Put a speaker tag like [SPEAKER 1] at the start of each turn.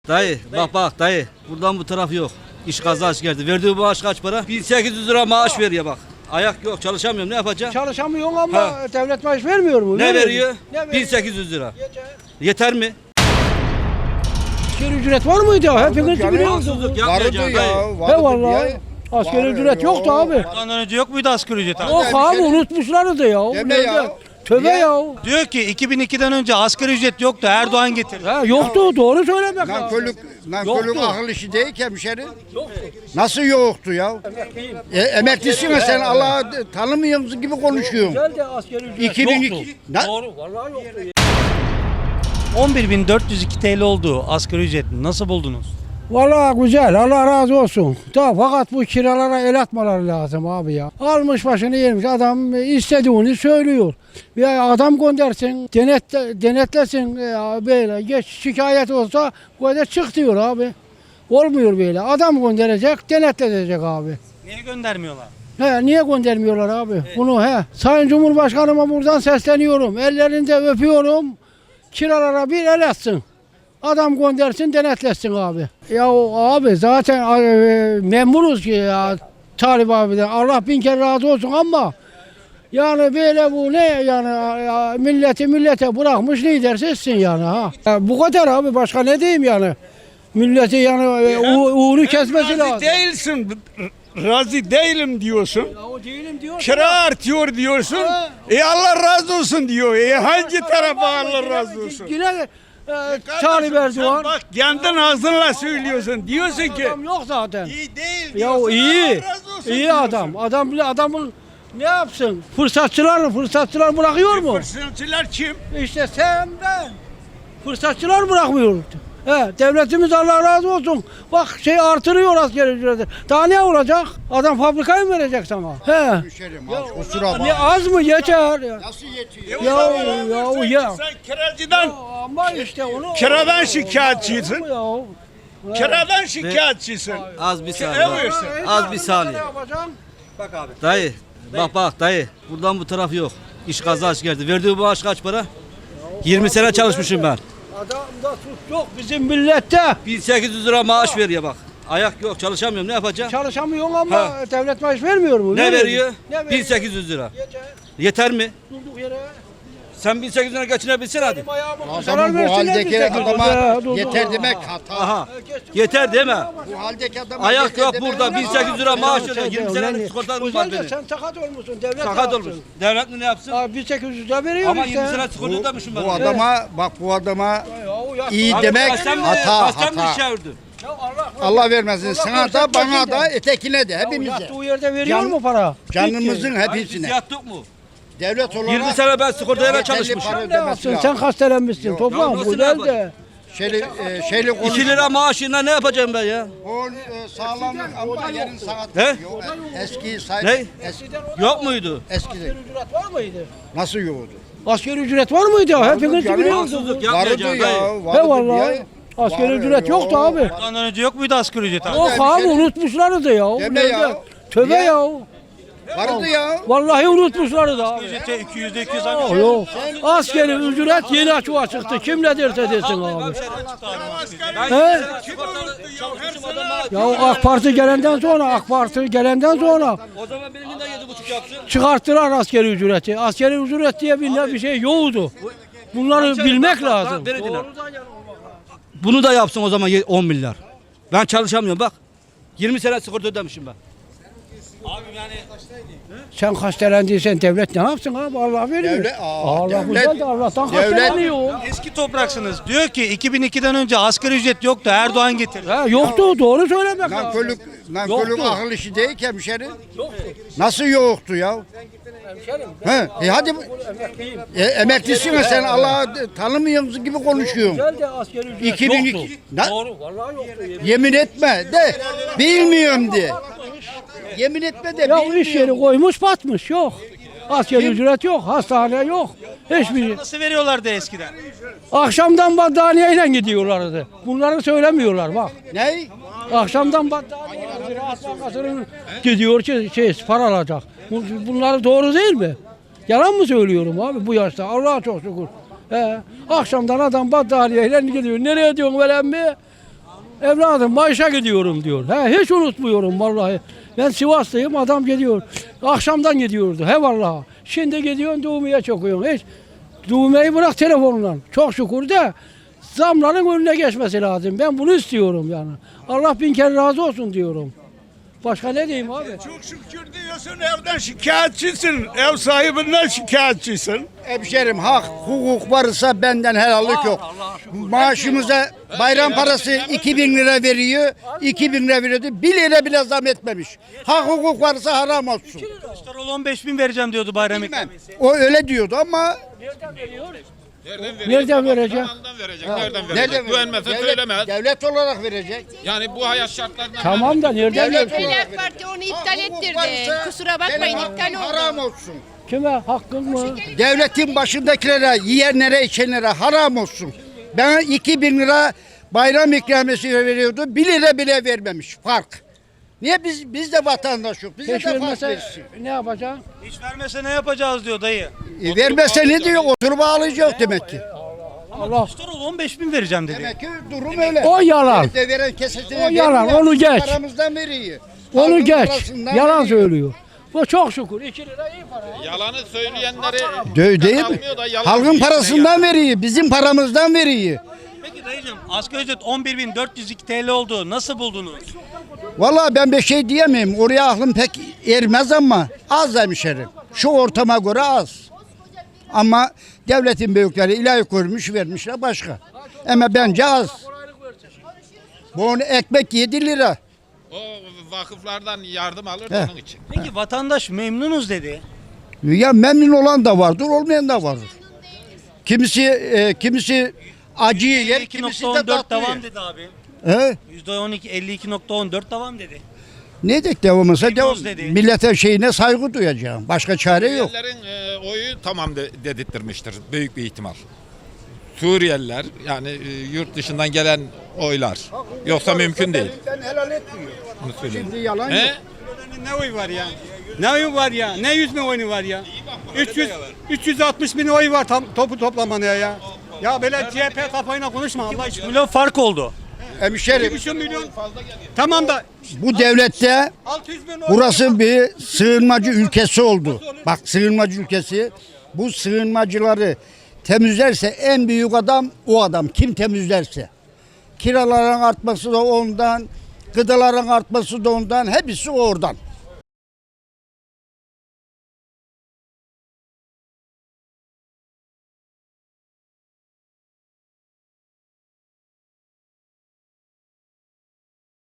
[SPEAKER 1] Dayı bak dayı buradan bu taraf yok. İş kazanç geldi. Verdiği maaş kaç para? 1800 lira maaş veriyor bak. Ayak yok çalışamıyorum ne yapacağım?
[SPEAKER 2] Çalışamıyorsun ama
[SPEAKER 1] Ha.
[SPEAKER 2] devlet maaş vermiyor mu?
[SPEAKER 1] Ne veriyor?
[SPEAKER 2] Ne veriyor?
[SPEAKER 1] 1800 lira.
[SPEAKER 2] Yeter.
[SPEAKER 1] Yeter mi?
[SPEAKER 2] Asgari ücret var mıydı ya? Hepiniz biliyorsunuz.
[SPEAKER 1] Haksızlık yapmayacağım dayı.
[SPEAKER 2] He vallahi. Asgari ücret yoktu abi.
[SPEAKER 3] Ondan önce yok muydu asgari ücret abi?
[SPEAKER 2] Yok abi unutmuşlardı ya.
[SPEAKER 4] Deme ya.
[SPEAKER 2] Tövbe
[SPEAKER 4] Niye?
[SPEAKER 2] ya.
[SPEAKER 3] Diyor ki 2002'den önce asgari ücret yoktu. Erdoğan getirdi.
[SPEAKER 2] Ha, yoktu doğru söylemek lazım.
[SPEAKER 4] Nankörlük
[SPEAKER 2] Yoktu.
[SPEAKER 4] akıl işi değil ki hemşerim. Nasıl yoktu ya? Emeklisin ya sen Allah'ı tanımıyorsun gibi konuşuyorsun.
[SPEAKER 2] Güzel de asgari ücret
[SPEAKER 4] 2002.
[SPEAKER 2] yoktu.
[SPEAKER 4] Na-
[SPEAKER 2] Doğru vallahi yoktu.
[SPEAKER 3] 11.402 TL oldu asgari ücret. Nasıl buldunuz?
[SPEAKER 2] Vallahi güzel Allah razı olsun. Da fakat bu kiralara el atmaları lazım abi ya. Almış başını yemiş adam istediğini söylüyor. Ya adam göndersin denetlesin böyle geç şikayet olsa bu kadar çık diyor abi. Olmuyor böyle. Adam gönderecek denetletecek abi.
[SPEAKER 3] Niye göndermiyorlar?
[SPEAKER 2] He, niye göndermiyorlar abi? Bunu he. Sayın Cumhurbaşkanıma buradan sesleniyorum. Ellerinde öpüyorum. Kiralara bir el atsın. Adam göndersin denetlesin abi. Ya abi zaten memuruz ki ya Talip abiden. Allah bin kere razı olsun ama yani böyle bu ne yani ya, millete bırakmış lidersizsin yani ha. Ya, bu kadar abi başka ne diyeyim yani. Milleti yani uğunu kesmesi lazım.
[SPEAKER 5] Değilsin, razı değilim diyorsun.
[SPEAKER 2] Ya o değilim diyor.
[SPEAKER 5] Kira artıyor diyorsun. Allah razı olsun diyor. Hangi tarafa Allah razı olsun?
[SPEAKER 2] Yine Talip Erdoğan.
[SPEAKER 5] Bak kendin ağzınla söylüyorsun. Diyorsun ki
[SPEAKER 2] Adam yok zaten.
[SPEAKER 5] iyi değil
[SPEAKER 2] Ya
[SPEAKER 5] diyorsun.
[SPEAKER 2] iyi.
[SPEAKER 5] Allah razı olsun
[SPEAKER 2] İyi
[SPEAKER 5] diyorsun.
[SPEAKER 2] adam. Adamın ne yapsın? Fırsatçılar bırakıyor mu?
[SPEAKER 5] Fırsatçılar kim?
[SPEAKER 2] İşte sen ben. Fırsatçılar bırakmıyor. He, devletimiz Allah razı olsun. Bak artırıyor asgari ücreti. Daha ne olacak? Adam fabrikayı mı verecek sana? He.
[SPEAKER 4] Hemşerim kusura
[SPEAKER 2] Ne
[SPEAKER 4] bakma.
[SPEAKER 2] az mı yeter?
[SPEAKER 4] Nasıl yetiyor?
[SPEAKER 2] Ya.
[SPEAKER 5] Sen kiracıdan,
[SPEAKER 2] Ama işte onu
[SPEAKER 5] kiradan şikayetçisin.
[SPEAKER 2] Ya.
[SPEAKER 5] Kiradan şikayetçisin.
[SPEAKER 1] Az bir saniye.
[SPEAKER 5] Evet.
[SPEAKER 1] Az bir saniye.
[SPEAKER 2] Ne yapacaksın?
[SPEAKER 1] Dayı bak dayı buradan bu taraf yok. İş kazanç geldi. Verdiği maaş kaç para? 20 sene çalışmışım ben.
[SPEAKER 2] Adamda suç yok bizim millette.
[SPEAKER 1] 1800 lira maaş veriyor bak. Ayak yok çalışamıyorum ne yapacağım?
[SPEAKER 2] Çalışamıyorsun ama
[SPEAKER 1] Ha.
[SPEAKER 2] devlet maaş vermiyor mu?
[SPEAKER 1] Ne veriyor?
[SPEAKER 2] Ne veriyor?
[SPEAKER 1] 1800 lira.
[SPEAKER 2] Yeter.
[SPEAKER 1] Yeter mi?
[SPEAKER 2] Durduk yere.
[SPEAKER 1] Sen 1800 lira geçinebilsin hadi.
[SPEAKER 4] Adamın bu haldeki adama yeter demek hata.
[SPEAKER 1] Aha. Yeter deme.
[SPEAKER 4] Bu haldeki adama
[SPEAKER 1] Ayak
[SPEAKER 4] yeter
[SPEAKER 1] yok
[SPEAKER 4] demek
[SPEAKER 1] burada.
[SPEAKER 4] hata.
[SPEAKER 1] 1800 lira maaş ödüyor. 20 senelik sigortam var
[SPEAKER 2] Güzel de
[SPEAKER 1] benim.
[SPEAKER 2] sen sakat olmuşsun. Devlet
[SPEAKER 1] Sakat
[SPEAKER 2] ne
[SPEAKER 1] olmuş.
[SPEAKER 2] yapsın?
[SPEAKER 1] Devlet ne yapsın?
[SPEAKER 2] Abi 1800 lira veriyor
[SPEAKER 1] Ama
[SPEAKER 2] işte.
[SPEAKER 1] 20 sene sigorta ödemişim ben.
[SPEAKER 4] Bu adama bak bu adama
[SPEAKER 2] Ya o yaşlı
[SPEAKER 4] iyi
[SPEAKER 2] adam-
[SPEAKER 4] demek
[SPEAKER 1] Kaçtan mı
[SPEAKER 4] hata.
[SPEAKER 1] çevirdin?
[SPEAKER 2] Ya Allah,
[SPEAKER 4] Allah vermesin. Sana da bana
[SPEAKER 2] versin
[SPEAKER 4] da
[SPEAKER 2] de.
[SPEAKER 4] etekine de
[SPEAKER 2] Ya
[SPEAKER 4] hepimize.
[SPEAKER 2] yattığı yerde veriyor
[SPEAKER 4] Can-
[SPEAKER 2] mu para?
[SPEAKER 4] Canımızın
[SPEAKER 1] Hayır, biz
[SPEAKER 4] hepsine.
[SPEAKER 1] yattık mı?
[SPEAKER 4] Devlet olarak
[SPEAKER 1] 20 sene ben sigortaya
[SPEAKER 4] yeterli
[SPEAKER 1] çalışmışım.
[SPEAKER 4] para
[SPEAKER 2] Ne
[SPEAKER 4] ödemesi
[SPEAKER 2] yapsın?
[SPEAKER 4] lazım.
[SPEAKER 2] Sen hastalanmışsın.
[SPEAKER 1] Ya
[SPEAKER 2] Toprağım
[SPEAKER 1] nasıl
[SPEAKER 2] güzel
[SPEAKER 1] yapacak?
[SPEAKER 2] de.
[SPEAKER 4] Şeyli
[SPEAKER 1] 2 lira maaşıyla ne yapacağım ben ya?
[SPEAKER 4] O sağlam ama yarın saat
[SPEAKER 1] He?
[SPEAKER 4] yok. Eski say
[SPEAKER 1] Ne?
[SPEAKER 4] eski
[SPEAKER 1] Yok muydu?
[SPEAKER 4] eskide
[SPEAKER 2] Asgari ücret var mıydı?
[SPEAKER 4] nasıl yoktu?
[SPEAKER 2] Asgari ücret var mıydı ya? Hepiniz
[SPEAKER 4] canım.
[SPEAKER 2] biliyorsunuz.
[SPEAKER 1] Haksızlık
[SPEAKER 4] Vardı
[SPEAKER 1] yapmayacağım
[SPEAKER 4] ya.
[SPEAKER 1] dayı.
[SPEAKER 4] Vardı
[SPEAKER 2] He vallahi.
[SPEAKER 4] ya.
[SPEAKER 2] Asgari
[SPEAKER 4] Var,
[SPEAKER 2] ücret yoktu
[SPEAKER 4] yok.
[SPEAKER 2] abi.
[SPEAKER 3] Ondan önce yok muydu asgari ücret abi?
[SPEAKER 2] Yok abi
[SPEAKER 4] hemşerim.
[SPEAKER 2] unutmuşlardı ya.
[SPEAKER 4] Deme
[SPEAKER 2] Nerede?
[SPEAKER 4] ya.
[SPEAKER 2] Tövbe
[SPEAKER 4] Niye?
[SPEAKER 2] ya.
[SPEAKER 4] Vardı ya.
[SPEAKER 2] Vallahi unutmuşlardı abi.
[SPEAKER 3] Ücrete %200
[SPEAKER 2] Yok
[SPEAKER 3] zam.
[SPEAKER 2] yok. Asgari ücret yeni açığa çıktı. Kim ne derse desin abi. He? Ya AK Parti gelenden sonra
[SPEAKER 1] O zaman benimki de 7,5 yapsın.
[SPEAKER 2] çıkarttılar asgari ücreti. Asgari ücret diye bir şey yoktu. Bunları bilmek lazım.
[SPEAKER 1] Beni dinle. Bunu da yapsın o zaman 10 milyar. Ben çalışamıyorum bak. 20 sene sigorta ödemişim ben.
[SPEAKER 2] Sen hastelendiysen devlet ne yapsın abi? Allah veriyor. Allah
[SPEAKER 4] devlet-
[SPEAKER 2] güzel de Allah'tan
[SPEAKER 4] devlet-
[SPEAKER 2] hasteleniyor.
[SPEAKER 3] Eski topraksınız. Diyor ki 2002'den önce asgari ücret yoktu. Erdoğan getirdi.
[SPEAKER 2] Ha, yoktu doğru söylemek lazım.
[SPEAKER 4] Nankörlük
[SPEAKER 2] Yoktu.
[SPEAKER 4] akıl işi değil ki hemşerim. Nasıl yoktu ya? He, hadi emeklisin ya sen Allah'ı tanımıyorsun gibi konuşuyorsun.
[SPEAKER 2] Güzel de asgari ücret
[SPEAKER 4] 2002
[SPEAKER 2] yoktu.
[SPEAKER 4] Na-
[SPEAKER 2] Doğru vallahi yoktu.
[SPEAKER 4] yemin etme de bilmiyorum de. Yemin etme de
[SPEAKER 2] Ya
[SPEAKER 4] bilmiyorum.
[SPEAKER 2] iş yeri koymuş batmış yok. Asgari ücret yok, hastane yok. Hiçbir şey.
[SPEAKER 3] Nasıl veriyorlardı eskiden?
[SPEAKER 2] Akşamdan battaniyeyle gidiyorlardı. Bunları söylemiyorlar bak.
[SPEAKER 4] Ne?
[SPEAKER 2] Akşamdan battaniyeyle Ziraat Bankası'nın gidiyor para alacak. Bunları doğru değil mi? Yalan mı söylüyorum abi bu yaşta? Allah'a çok şükür. Akşamdan adam battaniyeyle gidiyor. Nereye diyorsun veren mi? Evladım maaşa gidiyorum diyor. Hiç unutmuyorum vallahi. Ben Sivas'tayım, adam gidiyor. Akşamdan gidiyordu. Vallahi. Şimdi gidiyorsun düğmeye çakıyorsun. Hiç düğmeyi bırak telefonla. Çok şükür de zamların önüne geçmesi lazım. Ben bunu istiyorum yani. Allah bin kere razı olsun diyorum. Başka ne diyeyim abi?
[SPEAKER 5] Çok şükür diyorsun, evden şikayetçisin. Ev sahibinden şikayetçisin.
[SPEAKER 4] Hemşerim hak, hukuk varsa benden helallik yok. Maaşımıza bayram parası 2000 lira veriyor. 2000 lira veriyordu. 1 lira bile zam etmemiş. Hak hukuk varsa haram olsun.
[SPEAKER 3] Kılıçdaroğlu 15.000 vereceğim diyordu bayram
[SPEAKER 4] Bilmem.
[SPEAKER 3] ikramiyesi.
[SPEAKER 4] O öyle diyordu ama
[SPEAKER 2] Nereden verecek?
[SPEAKER 6] Nereden verecek? Nereden verecek?
[SPEAKER 4] nereden
[SPEAKER 6] Güvenmezse
[SPEAKER 4] verecek?
[SPEAKER 6] söylemez.
[SPEAKER 4] Devlet olarak verecek.
[SPEAKER 6] Yani bu hayat şartlarından
[SPEAKER 2] Tamam da nereden
[SPEAKER 4] Devlet
[SPEAKER 2] verecek?
[SPEAKER 4] olarak
[SPEAKER 7] AK Parti onu iptal
[SPEAKER 4] Hak, hukuk
[SPEAKER 7] ettirdi.
[SPEAKER 4] varsa
[SPEAKER 7] Kusura bakmayın
[SPEAKER 4] senin
[SPEAKER 7] iptal
[SPEAKER 4] hakkın
[SPEAKER 7] oldu.
[SPEAKER 4] haram olsun.
[SPEAKER 2] Kime? Hakkın mı?
[SPEAKER 4] Devletin başındakilere, yiyenlere, içenlere haram olsun. Bana 2000 lira bayram ikramiyesi veriyordu. 1 lira bile vermemiş. Fark. Niye biz de vatandaş yok? Bize
[SPEAKER 2] Hiç
[SPEAKER 4] de fark
[SPEAKER 2] vermese
[SPEAKER 4] versin.
[SPEAKER 2] ne yapacak?
[SPEAKER 3] Hiç vermese ne yapacağız diyor dayı.
[SPEAKER 4] Vermese ne diyor? Oturup ağlayacak demek ki.
[SPEAKER 2] Allah.
[SPEAKER 3] Kılıçdaroğlu 15.000 vereceğim dedi.
[SPEAKER 4] Demek ki durum öyle.
[SPEAKER 2] O yalan.
[SPEAKER 4] Devlet de veren kesesine
[SPEAKER 2] O yalan,
[SPEAKER 4] veriyor,
[SPEAKER 2] onu
[SPEAKER 4] bizim
[SPEAKER 2] geç.
[SPEAKER 4] Paramızdan veriyor.
[SPEAKER 2] Onu
[SPEAKER 4] Halkın
[SPEAKER 2] geç.
[SPEAKER 4] parasından
[SPEAKER 2] Yalan
[SPEAKER 4] veriyor.
[SPEAKER 2] söylüyor. Bu çok şükür. 2 lira iyi para.
[SPEAKER 6] yalanı söyleyenleri
[SPEAKER 4] Değil mi?
[SPEAKER 6] almıyor da yalan
[SPEAKER 4] Halkın
[SPEAKER 6] söylüyor.
[SPEAKER 4] parasından veriyor. Bizim paramızdan veriyor.
[SPEAKER 3] Peki dayıcım asgari ücret 11.402 TL oldu. Nasıl buldunuz?
[SPEAKER 4] Vallahi ben bir şey diyemeyim. Oraya aklım pek ermez ama az hemşerim. Şu ortama göre az. Ama devletin büyükleri ilahi koymuş vermişler başka. Ama bence az. Bu ekmek 7 lira.
[SPEAKER 6] O vakıflardan yardım alır
[SPEAKER 4] He.
[SPEAKER 6] onun için.
[SPEAKER 3] Peki vatandaş memnunuz dedi.
[SPEAKER 4] Ya memnun olan da vardır, olmayan da vardır. Kimisi acıyı yer, kimisi de
[SPEAKER 3] 52.14
[SPEAKER 4] tatlı
[SPEAKER 3] devam
[SPEAKER 4] yer.
[SPEAKER 3] dedi abi.
[SPEAKER 4] He?
[SPEAKER 3] %12 52.14 devam dedi.
[SPEAKER 4] Ne dedik devamısa devam.
[SPEAKER 3] Memnunuz dedi.
[SPEAKER 4] Milletin şeyine saygı duyacağım. Başka çare yok.
[SPEAKER 6] Suriyelilerin oyu tamam dedirttirmiştir büyük bir ihtimal. Suriyeliler yani yurt dışından gelen oylar. Yoksa mümkün değil.
[SPEAKER 4] Ben helal etmiyorum.
[SPEAKER 6] Bunu söyleyeyim.
[SPEAKER 4] Şimdi yalan
[SPEAKER 6] He?
[SPEAKER 4] yok.
[SPEAKER 5] Ne oy var ya? Ne oyu var ya? Ne 100 bin oyu var ya? 360 bin oy var topu toplamaya ya. Ya böyle CHP kafayla konuşma Allah aşkına.
[SPEAKER 3] Milyon fark oldu.
[SPEAKER 4] Hemşerim
[SPEAKER 5] 2,5 milyon. Tamam da
[SPEAKER 4] bu devlette
[SPEAKER 5] 600 bin oy.
[SPEAKER 4] burası bir sığınmacı ülkesi oldu. Bak sığınmacı ülkesi. Bu sığınmacıları temizlerse en büyük adam o adam. Kim temizlerse. Kiraların artması da ondan, gıdaların artması da ondan, hepsi oradan.